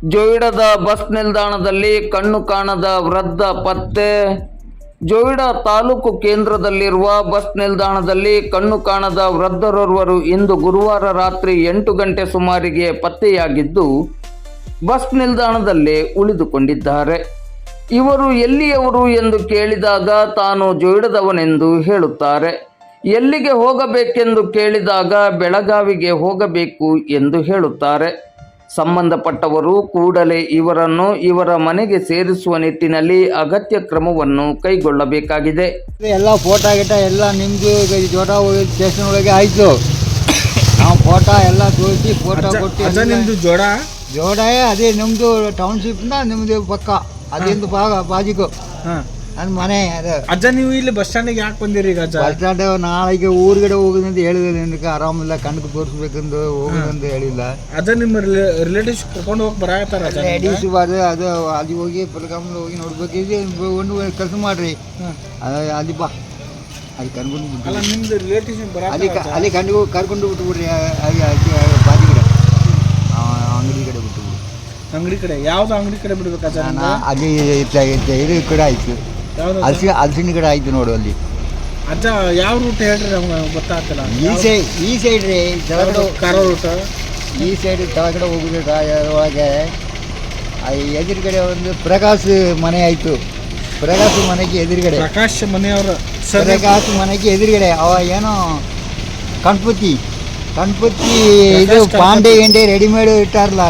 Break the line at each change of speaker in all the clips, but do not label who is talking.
ಜೋಯಿಡದ bus ನಿಲ್ದಾಣದಲ್ಲಿ ಕಣ್ಣು ಕಾಣದ ವೃದ್ಧ ಪತ್ತೆ. ಜೋಯಿಡಾ ತಾಲೂಕು ಕೇಂದ್ರದಲ್ಲಿರುವ ಬಸ್ ನಿಲ್ದಾಣದಲ್ಲಿ ಕಣ್ಣು ಕಾಣದ ವೃದ್ಧರೋರ್ವರು ಇಂದು ಗುರುವಾರ ರಾತ್ರಿ 8 ಗಂಟೆ ಸುಮಾರಿಗೆ ಪತ್ತೆಯಾಗಿದ್ದು ಬಸ್ ನಿಲ್ದಾಣದಲ್ಲೇ ಉಳಿದುಕೊಂಡಿದ್ದಾರೆ. ಇವರು ಎಲ್ಲಿಯವರು ಎಂದು ಕೇಳಿದಾಗ ತಾನು ಜೋಯಿಡದವನೆಂದು ಹೇಳುತ್ತಾರೆ. ಎಲ್ಲಿಗೆ ಹೋಗಬೇಕೆಂದು ಕೇಳಿದಾಗ ಬೆಳಗಾವಿಗೆ ಹೋಗಬೇಕು ಎಂದು ಹೇಳುತ್ತಾರೆ. ಸಂಬಂಧಪಟ್ಟವರು ಕೂಡಲೇ ಇವರನ್ನು ಇವರ ಮನೆಗೆ ಸೇರಿಸುವ ನಿಟ್ಟಿನಲ್ಲಿ ಅಗತ್ಯ ಕ್ರಮವನ್ನು ಕೈಗೊಳ್ಳಬೇಕಾಗಿದೆ.
ಎಲ್ಲ ಫೋಟೋ ಗಿಟ ಎಲ್ಲ ನಿಮ್ಮದು ಜೋಟ ಸ್ಟೇಷನ್ ಒಳಗೆ ಆಯಿತು. ನಾವು ಫೋಟೋ ಎಲ್ಲ ತೋರಿಸಿ ಫೋಟೋ ಕೊಟ್ಟು
ನಿಮ್ಮದು
ಜೋಡ ಅದೇ ನಿಮ್ಮದು ಟೌನ್ಶಿಪ್ನ ನಿಮ್ಮದು ಪಕ್ಕ ಅದೇಂದು ಬಾಜಿಗೂ ನನ್ನ ಮನೆ ಅದು.
ಅಜ್ಜ ನೀವು ಇಲ್ಲಿ ಬಸ್ ಸ್ಟ್ಯಾಂಡಿಗೆ ಯಾಕೆ ಬಂದಿರಿ ಈಗ?
ಬಸ್ ಸ್ಟ್ಯಾಂಡ್ ನಾಳೆಗೆ ಊರುಗಡೆ ಹೋಗುದಂತ ಹೇಳಿದ್ರೆ ನಿನಗೆ ಆರಾಮಿಲ್ಲ, ಕಣ್ಣಿಗೆ ತೋರಿಸ್ಬೇಕಂದು ಹೋಗುದಂತ ಹೇಳಿಲ್ಲ.
ಅಜ್ಜ ನಿಮ್ಮ ರಿಲೇಟಿವ್ಸ್ ಕರ್ಕೊಂಡು ಹೋಗಿ ಬರಾಕತ್ತಾರ?
ಲೇಡೀಸ್ ಅದು ಅದು ಅಲ್ಲಿ ಹೋಗಿ ಪಲ್ಕಾಮಲ್ಲಿ ಹೋಗಿ ನೋಡ್ಬೇಕಿದ್ರೆ ಒಂದು ಕೆಲಸ ಮಾಡ್ರಿ, ಅಲ್ಲಿ ಬಾ ಅಲ್ಲಿ ಕರ್ಕೊಂಡು
ಅಲ್ಲ ನಿಮ್ದು ರಿಲೇಟಿವ್ಸ್
ಅಲ್ಲಿ ಕರ್ಕೊಂಡು ಬಿಟ್ಬಿಡ್ರಿ. ಬಾಜಿ ಕಡೆ ಅಂಗಡಿ ಕಡೆ ಬಿಟ್ಟು
ಅಂಗಡಿ ಕಡೆ ಯಾವ್ದು ಅಂಗಡಿ ಕಡೆ ಬಿಡ್ಬೇಕು ಅಜ್ಜ?
ಅಲ್ಲಿ ಇದು ಕಡೆ ಆಯ್ತು, ಹಲಸಿನ ಕಡೆ ಆಯ್ತು ನೋಡು ಅಲ್ಲಿ.
ಅಜ್ಜ ಯಾವ ರೂಟ್ ಹೇಳ್ರಿ ನಮ್ಗೆ ಗೊತ್ತಾಗ್ತಿಲ್ಲ.
ಈ ಸೈಡ್ ರೀ ಕೆಳಗಡೆ
ಕಾರ ರೂಟ್,
ಈ ಸೈಡ್ ಕೆಳಗಡೆ ಹೋಗುದು ಒಳಗೆ ಎದುರುಗಡೆ ಒಂದು ಪ್ರಕಾಶ್ ಮನೆ ಆಯ್ತು. ಪ್ರಕಾಶ್ ಮನೆಗೆ ಎದುರುಗಡೆ
ಪ್ರಕಾಶ್ ಮನೆಯವರು
ಪ್ರಕಾಶ್ ಮನೆಗೆ ಎದುರುಗಡೆ ಅವ ಏನೋ ಗಣಪತಿ ಇದು ಪಾಂಡೆ ಗಿಂಡೆ ರೆಡಿಮೇಡ್ ಇಟ್ಟಾರಲ್ಲ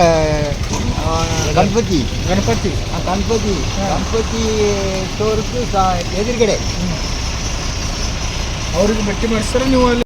ಗಣಪತಿ ಸ್ಟೋರ್ಸ್ ಎದುರುಗಡೆ
ಅವ್ರಿಗೆ ಭೇಟಿ ಮಾಡಿಸ್ತಾರೆ ನೀವು ಅಲ್ಲಿ?